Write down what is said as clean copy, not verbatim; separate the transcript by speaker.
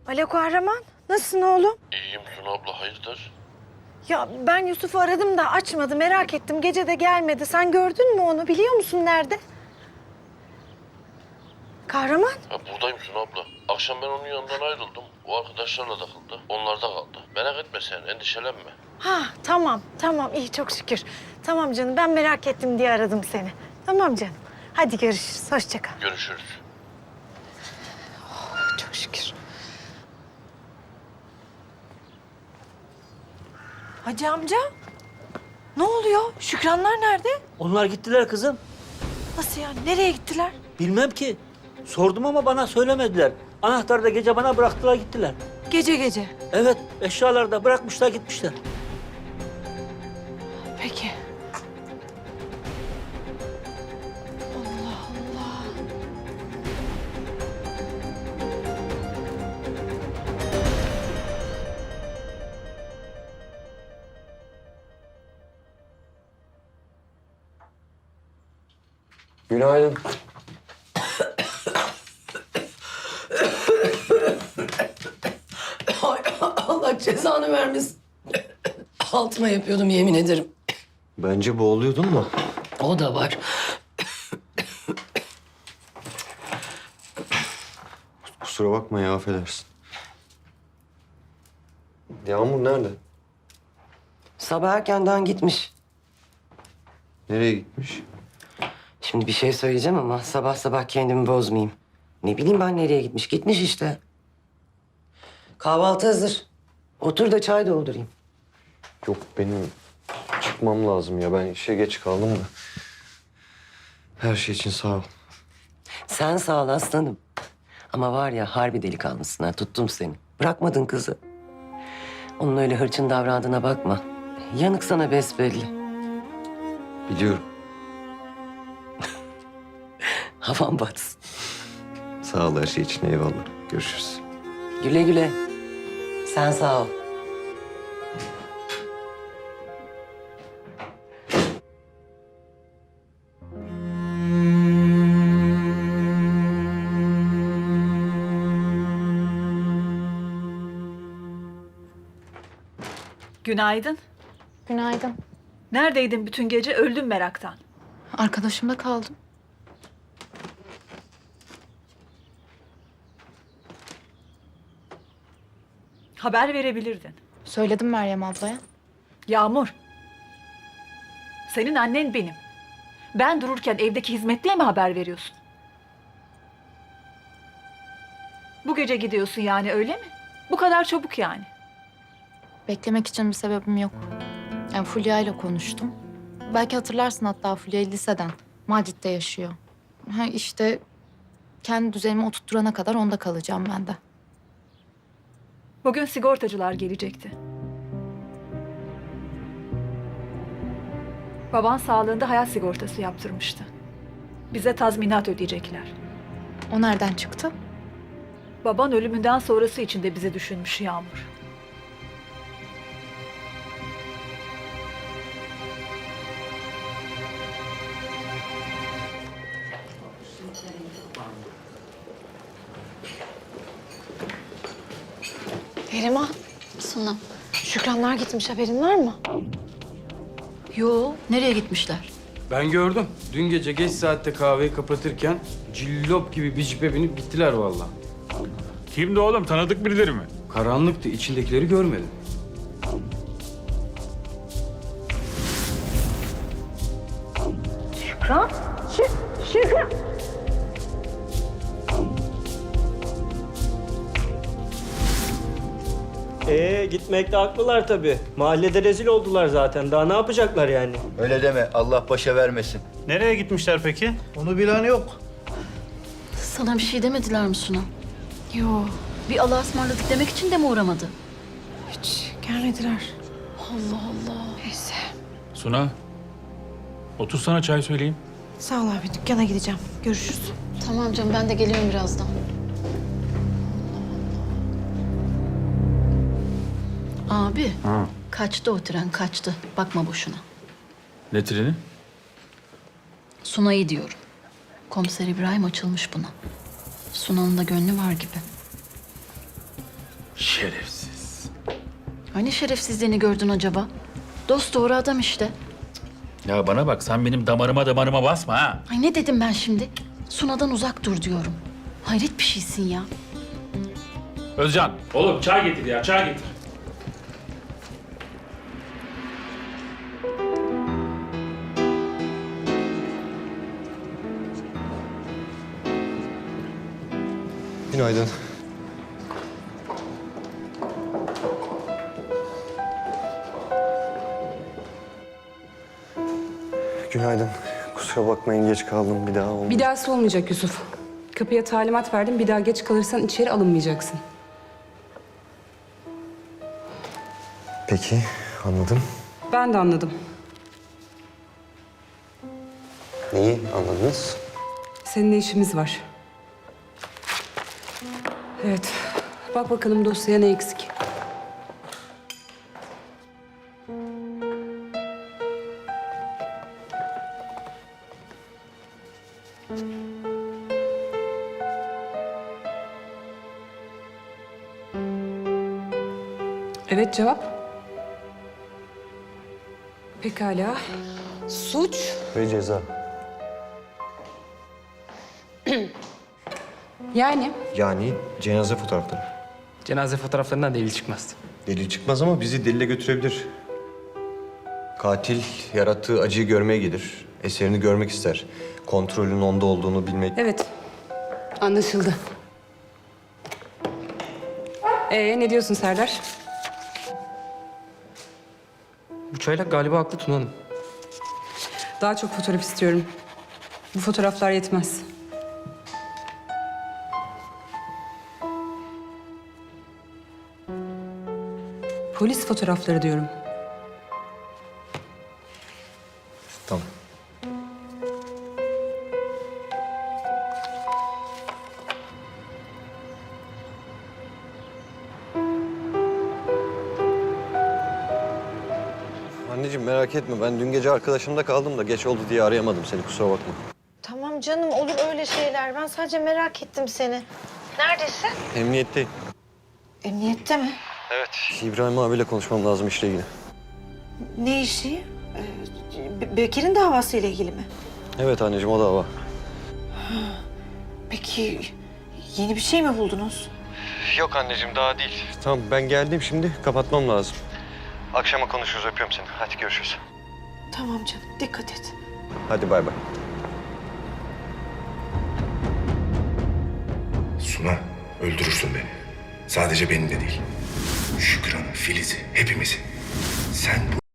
Speaker 1: Alo Kahraman, nasılsın oğlum?
Speaker 2: İyiyim Suna abla, hayırdır?
Speaker 1: Ya ben Yusuf'u aradım da açmadı, merak ettim. Gece de gelmedi. Sen gördün mü onu, biliyor musun nerede? Kahraman?
Speaker 2: Ha, buradayım Suna abla. Akşam ben onun yanından ayrıldım. O arkadaşlarla takıldı. Onlar da kaldı. Merak etme sen, endişelenme.
Speaker 1: Ha tamam iyi çok şükür. Tamam canım, ben merak ettim diye aradım seni. Tamam canım. Hadi görüşürüz, hoşça kal.
Speaker 2: Görüşürüz.
Speaker 1: Çok şükür. Hacı amca, ne oluyor? Şükranlar nerede?
Speaker 3: Onlar gittiler kızım.
Speaker 1: Nasıl yani, nereye gittiler?
Speaker 3: Bilmem ki. Sordum ama bana söylemediler. Anahtarı da gece bana bıraktılar gittiler.
Speaker 1: Gece gece.
Speaker 3: Evet, eşyaları da bırakmışlar gitmişler.
Speaker 1: Peki. Allah Allah.
Speaker 4: Günaydın.
Speaker 5: Ay, Allah cezanı vermesin. Altıma yapıyordum yemin ederim.
Speaker 4: Bence boğuluyordun mu?
Speaker 5: O da var.
Speaker 4: Kusura bakma ya, affedersin. Yağmur nerede?
Speaker 5: Sabah erkenden gitmiş.
Speaker 4: Nereye gitmiş?
Speaker 5: Şimdi bir şey söyleyeceğim ama sabah sabah kendimi bozmayayım. Ne bileyim ben nereye gitmiş. Gitmiş işte. Kahvaltı hazır. Otur da çay doldurayım.
Speaker 4: Yok, benim çıkmam lazım ya. Ben işe geç kaldım da. Her şey için sağ ol.
Speaker 5: Sen sağ ol aslanım. Ama var ya harbi delikanlısın ha. Tuttum seni. Bırakmadın kızı. Onun öyle hırçın davrandığına bakma. Yanık sana besbelli.
Speaker 4: Biliyorum.
Speaker 5: Havan batsın.
Speaker 4: Sağ ol her şey için, eyvallah. Görüşürüz.
Speaker 5: Güle güle. Sen sağ ol.
Speaker 6: Günaydın.
Speaker 7: Günaydın.
Speaker 6: Neredeydin bütün gece? Öldüm meraktan.
Speaker 7: Arkadaşımda kaldım.
Speaker 6: Haber verebilirdin.
Speaker 7: Söyledim Meryem ablaya.
Speaker 6: Yağmur. Senin annen benim. Ben dururken evdeki hizmetliye mi haber veriyorsun? Bu gece gidiyorsun yani, öyle mi? Bu kadar çabuk yani.
Speaker 7: Beklemek için bir sebebim yok. Yani Fulya ile konuştum. Belki hatırlarsın hatta Fulya'yı liseden. Macit'te yaşıyor. Ha işte kendi düzenimi oturtturana kadar onda kalacağım ben de.
Speaker 6: Bugün sigortacılar gelecekti. Baban sağlığında hayat sigortası yaptırmıştı. Bize tazminat ödeyecekler.
Speaker 7: O nereden çıktı?
Speaker 6: Baban ölümünden sonrası için de bizi düşünmüş Yağmur.
Speaker 1: Neriman,
Speaker 8: Suna.
Speaker 1: Şükranlar gitmiş, haberin var mı?
Speaker 8: Yo, nereye gitmişler?
Speaker 9: Ben gördüm. Dün gece geç saatte kahveyi kapatırken cillop gibi bir cipe binip gittiler vallahi.
Speaker 10: Kimdi oğlum? Tanıdık birileri mi?
Speaker 9: Karanlıktı, içindekileri görmedim.
Speaker 3: Gitmekte haklılar tabii. Mahallede rezil oldular zaten. Daha ne yapacaklar yani?
Speaker 11: Öyle deme. Allah başa vermesin.
Speaker 10: Nereye gitmişler peki?
Speaker 11: Onu bilen yok.
Speaker 8: Sana bir şey demediler mi Suna?
Speaker 1: Yo,
Speaker 8: Bir Allah'a ısmarladık demek için de mi uğramadı?
Speaker 1: hiç gelmediler.
Speaker 8: Allah Allah.
Speaker 1: Neyse.
Speaker 10: Suna, otur sana çay söyleyeyim.
Speaker 1: Sağ ol abi, dükkana gideceğim. Görüşürüz.
Speaker 8: Tamam canım, ben de geliyorum birazdan. Abi, kaçtı o tren, kaçtı. Bakma boşuna.
Speaker 10: Ne treni?
Speaker 8: Sunay'ı diyorum. Komiser İbrahim açılmış buna. Sunan'ın da gönlü var gibi.
Speaker 10: Şerefsiz.
Speaker 8: Hani şerefsizliğini gördün acaba? Dost doğru adam işte.
Speaker 10: Ya bana bak, sen benim damarıma basma ha.
Speaker 8: Ay ne dedim ben şimdi? Suna'dan uzak dur diyorum. Hayret bir şeysin ya.
Speaker 10: Özcan, oğlum çay getir ya, çay getir.
Speaker 4: Günaydın. Günaydın. Kusura bakmayın geç kaldım bir daha oldu.
Speaker 12: Bir dahası olmayacak Yusuf. Kapıya talimat verdim. Bir daha geç kalırsan içeri alınmayacaksın.
Speaker 4: Peki anladım.
Speaker 12: Ben de anladım.
Speaker 4: Neyi anladınız?
Speaker 12: Seninle işimiz var. Evet. Bak bakalım dosyaya ne eksik. Evet, cevap. Pekala. Suç.
Speaker 4: Ve ceza. Yani cenaze fotoğrafları.
Speaker 9: Cenaze fotoğraflarından delil çıkmaz.
Speaker 4: Delil çıkmaz ama bizi delile götürebilir. Katil yarattığı acıyı görmeye gelir. Eserini görmek ister. Kontrolün onda olduğunu bilmek.
Speaker 12: Evet. Anlaşıldı. Ne diyorsun Serdar?
Speaker 9: Bu çaylak galiba haklı Tuna Hanım.
Speaker 12: Daha çok fotoğraf istiyorum. Bu fotoğraflar yetmez. Polis fotoğrafları diyorum.
Speaker 4: Tamam. Anneciğim merak etme. Ben dün gece arkadaşımda kaldım da geç oldu diye arayamadım seni. Kusura bakma.
Speaker 1: Tamam canım olur öyle şeyler. Ben sadece merak ettim seni. Neredesin?
Speaker 4: Emniyetteyim.
Speaker 1: Emniyette mi?
Speaker 4: Evet. İbrahim abiyle konuşmam lazım işle ilgili.
Speaker 1: Ne işi? Bekir'in davasıyla ilgili mi?
Speaker 4: Evet anneciğim o dava.
Speaker 1: Peki yeni bir şey mi buldunuz?
Speaker 4: Yok anneciğim daha değil. Tamam ben geldim şimdi. Kapatmam lazım. Akşama konuşuruz. Öpüyorum seni. Hadi görüşürüz.
Speaker 1: Tamam canım dikkat et.
Speaker 4: Hadi bay bay.
Speaker 13: Suna, öldürürsün beni. Sadece beni de değil. Şükran'ı, Filiz'i, hepimizi. Sen bu